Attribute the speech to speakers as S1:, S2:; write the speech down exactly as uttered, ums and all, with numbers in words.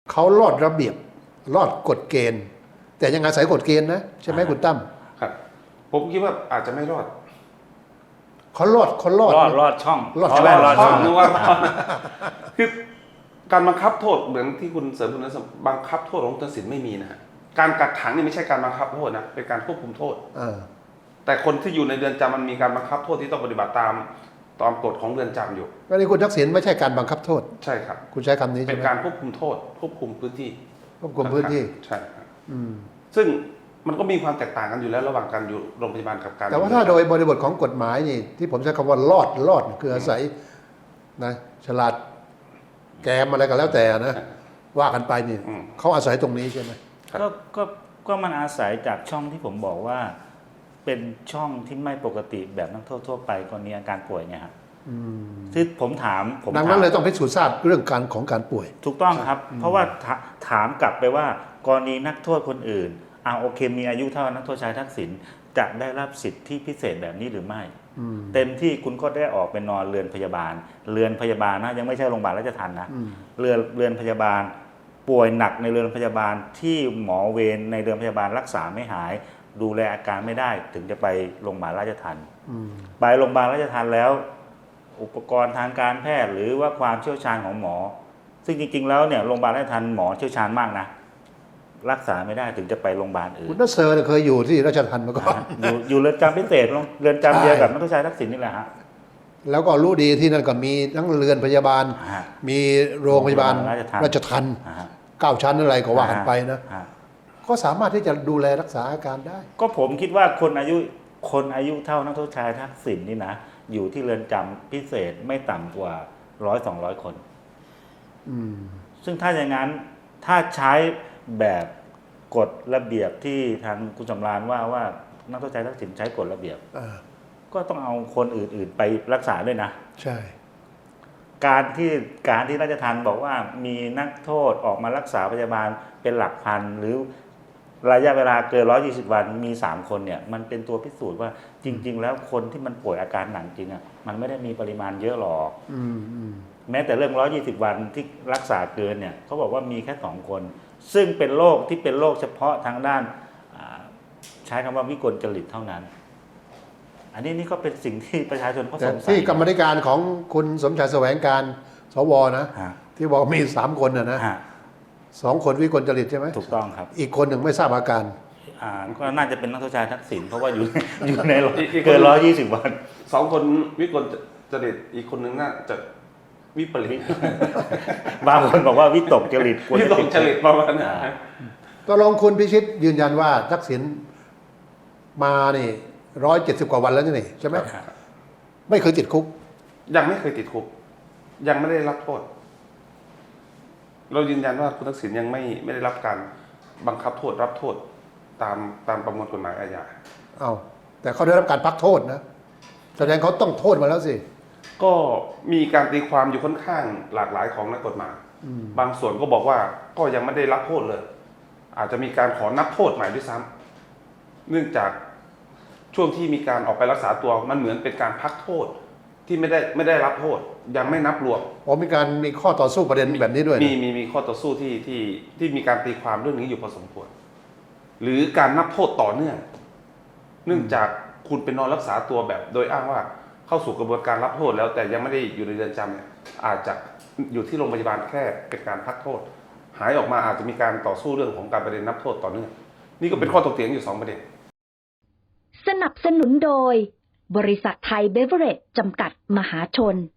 S1: เขาลอดระเบียบลอดกฎเกณฑ์ แต่ยังอาศัยกฎเกณฑ์นะใช่ไหมคุณตั้ม
S2: ครับผมคิดว่าอาจจะไม่รอด
S1: เขาลอดเขาลอด
S3: รอดรอดช่อง
S1: รอด
S3: ช่องรอดช่อง
S2: นึกว่าคือการบังคับโทษเหมือนที่คุณเสริมคุณนัสบังคับโทษของคุณตัดสินไม่มีนะฮะการกักขังนี่ไม่ใช่การบังคับโทษนะเป็นการควบคุมโทษแต่คนที่อยู่ในเรือนจำมันมีการบังคับโทษที่ต้องปฏิบัติตามตามกฎของเรือนจำอยู่
S1: ก็นี่คุณทักษิณไม่ใช่การบังคับโทษ
S2: ใช่ครับ
S1: คุณใช้คำนี้ใช่ไหม
S2: เป็นการควบคุมโทษควบคุมพื้นที่
S1: ควบคุมพื้นที่
S2: ใช่ครับซึ่งมันก็มีความแตกต่างกันอยู่แล้วระหว่างการอยู่โรงพยาบาลกับการ
S1: แต่ว่าถ้าโดยบริบทของกฎหมายนี่ที่ผมใช้คำว่าลอดลอดคืออาศัยนะฉลาดแกมอะไรก็แล้วแต่นะว่ากันไปนี่เขาอาศัยตรงนี้ใช่ไหม
S3: ก็ก็ก็มันอาศัยจากช่องที่ผมบอกว่าเป็นช่องที่ไม่ปกติแบบนักโทษทั่วไปกรณีอาการป่วยเนี่ยครับที่ผมถามผม
S1: ดังนั้นเลยต้องพิสูจน์ทราบเรื่องการของการป่วย
S3: ถูกต้องครับเพราะว่าถามกลับไปว่ากรณีนักโทษคนอื่นอ่าโอเคมีอายุเท่านักโทษชายทักษิณจะได้รับสิทธิพิเศษแบบนี้หรือไม่เต็มที่คุณก็ได้ออกไปนอนเรือนพยาบาลเรือนพยาบาลนะยังไม่ใช่โรงพยาบาลราชทัณฑ์นะเรือนเรือนพยาบาลป่วยหนักในเรือนพยาบาลที่หมอเวรในเรือนพยาบาลรักษาไม่หายดูแลอาการไม่ได้ถึงจะไปโรงพยาบาลราชทัณฑ์ไปโรงพยาบาลราชทัณฑ์แล้วอุปกรณ์ทางการแพทย์หรือว่าความเชี่ยวชาญของหมอซึ่งจริงๆแล้วเนี่ยโรงพยาบาลราชทัณฑ์หมอเชี่ยวชาญมากนะรักษาไม่ได้ถึงจะไปโรงพยาบาลอื่น
S1: คุณนัสเซอร์เคยอยู่ที่ราชทัณฑ์มาก่อน
S3: อยู่อยู่เรือนจำพิเศษเรือนจำเดียวกับนักโทษชายทักษิณนี่แหละฮะ
S1: แล้วก็รู้ดีที่นั่นก็มีทั้งเรือนพยาบาลมีโรงพยาบาลราชทัณฑ์เก้าชั้นอะไรก็ว่ากันไปนะก็สามารถที่จะดูแลรักษาอาการได้
S3: ก็ผมคิดว่าคนอายุคนอายุเท่านักโทษชายทักษิณนี่นะอยู่ที่เรือนจำพิเศษไม่ต่ำกว่าร้อยสองร้อยคนซึ่งถ้าอย่างนั้นถ้าใช้แบบกฎระเบียบที่ทางคุณสำราญว่าว่านักโทษชายทักษิณใช้กฎระเบียบก็ต้องเอาคนอื่นๆไปรักษาด้วยนะ
S1: ใช่
S3: การที่การที่ราชทัณฑ์บอกว่ามีนักโทษออกมารักษาพยาบาลเป็นหลักพันหรือระยะเวลาเกินหนึ่งร้อยยี่สิบวันมีสามคนเนี่ยมันเป็นตัวพิสูจน์ว่าจริงๆแล้วคนที่มันป่วยอาการหนักจริงอ่ะมันไม่ได้มีปริมาณเยอะหรอกแม้แต่เรื่องหนึ่งร้อยยี่สิบวันที่รักษาเกินเนี่ยเขาบอกว่ามีแค่สองคนซึ่งเป็นโรคที่เป็นโรคเฉพาะทางด้านใช้คำว่าวิกลจริตเท่านั้นอันนี้นี่ก็เป็นสิ่งที่ประชาชนเขาสงสัย
S1: ที่กรรมธิการของคุณสมชายแสวงการสวนะที่บอกมีสามคนนะนะสองคนวิกลจริตใช่ไหม
S3: ถูกต้องครับ
S1: อีกคนหนึ่งไม่ทราบอาการ
S3: อ่าก็น่าจะเป็นนักโทษชายทักษิณเพราะว่าอยู่อยู่ในเกินร้อยยี่สิบวัน
S2: สองคนวิกลจริตอีกคนหนึ่งน่าจะวิปริต
S3: บางคนบอกว่าวิตกจริต
S2: วิตกจริตประมาณนั้น
S1: ตกลงคุณพิชิตยืนยันว่าทักษิณมานี่ร้อยเจ็ดสิบกว่าวันแล้วนี่ใช่ไหมไม่เคยติดคุก
S2: ยังไม่เคยติดคุกยังไม่ได้รับโทษเรายืนยันว่าคุณทักษิณยังไม่ไม่ได้รับการบังคับโทษรับโทษตามตามประมวลกฎหมายอาญา
S1: เอาแต่เขาได้รับการพักโทษนะแสดงเขาต้องโทษมาแล้วสิ
S2: ก็มีการตีความอยู่ค่อนข้างหลากหลายของนักกฎหมายบางส่วนก็บอกว่าก็ยังไม่ได้รับโทษเลยอาจจะมีการขอนับโทษใหม่ด้วยซ้ำเนื่องจากช่วงที่มีการออกไปรักษาตัวมันเหมือนเป็นการพักโทษที่ไม่ได้ไม่ได้รับโทษยังไม่นับรวม
S1: อ๋อมีการมีข้อต่อสู้ประเด็นแบบนี้ด้วย
S2: มีมีมีข้อต่อสู้ที่ที่ที่มีการตีความเรื่องนี้อยู่พอสมควรหรือการนับโทษต่อเนื่องเนื่องจากคุณเป็นนอนรักษาตัวแบบโดยอ้างว่าเข้าสู่กระบวนการรับโทษแล้วแต่ยังไม่ได้อยู่ในเรือนจำเนี่ยอาจจะอยู่ที่โรงพยาบาลแค่เป็นการพักโทษหายออกมาอาจจะมีการต่อสู้เรื่องของการประเด็นนับโทษต่อเนื่องนี่ก็เป็นข้อถกเถียงอยู่สองประเด็น
S4: สนับสนุนโดยบริษัทไทยเบเวอเรจจำกัดมหาชน